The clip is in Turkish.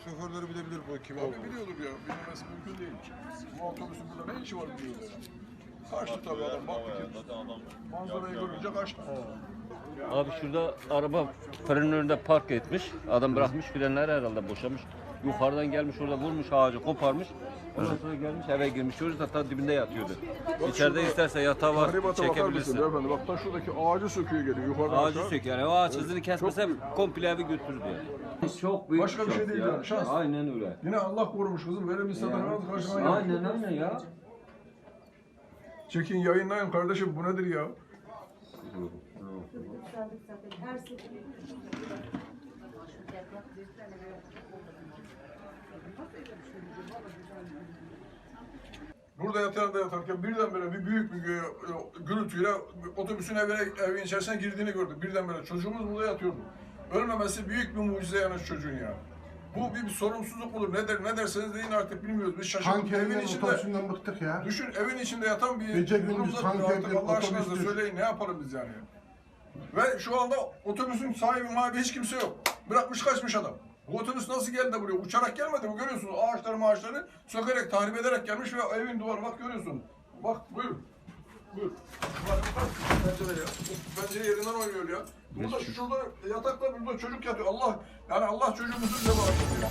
Şoförleri bilebilir bu kim Abi olduğunu. biliyordur ya. Bilmemesi mümkün değil. Bu otobüsün burada ne işi var biliyoruz. Kaçtı tabii adam. Baktı ki. Manzarayı görünce kaçtı. Abi şurada araba frenin önünde park etmiş. Adam bırakmış frenleri herhalde boşamış. Yukarıdan gelmiş orada vurmuş ağacı koparmış. Ondan sonra gelmiş eve girmiş. Çocuk da ta dibinde yatıyordu. İçeride isterse yatağı var Tahribata bakar mısın çekebilirsin. beyefendi? Bak ta şuradaki ağacı söküyor geliyor yukarıdan Ağacı aşağı. sök yani o ağaç hızını kesmese komple evi götürür yani. Çok büyük Başka bir şey şans değil ya. yani, şans. Aynen öyle. Yine Allah korumuş kızım. Böyle bir insanlar nasıl karşına gelir? Aynen ya. Çekin yayınlayın kardeşim bu nedir ya? Burada yatarken birdenbire bir büyük bir gürültüyle otobüsün evin içerisine girdiğini gördük. Birdenbire çocuğumuz burada yatıyordu. Ölmemesi büyük bir mucize yani şu çocuğun ya. Bu bir sorumsuzluk mudur? Ne derseniz deyin artık bilmiyoruz. Biz şaşırdık. Evin içinde, Otobüsünden bıktık ya. düşün evin içinde yatan bir Gece gündüz durumda tank duruyor artık. evdir, Allah aşkına da otobüstür. söyleyin ne yapalım biz yani. Ve şu anda otobüsün sahibi hiç kimse yok. Bırakmış kaçmış adam. Bu otobüs nasıl geldi de buraya? Uçarak gelmedi mi? Görüyorsunuz ağaçları sökerek, tahrip ederek gelmiş ve evin duvarı bak görüyorsun. Bak buyur. Buyur. Bak pencere ya. Pencere yerinden oynuyor ya. Burada şurada yatakta burada çocuk yatıyor. Allah çocuğumuzu bize bağışlasın.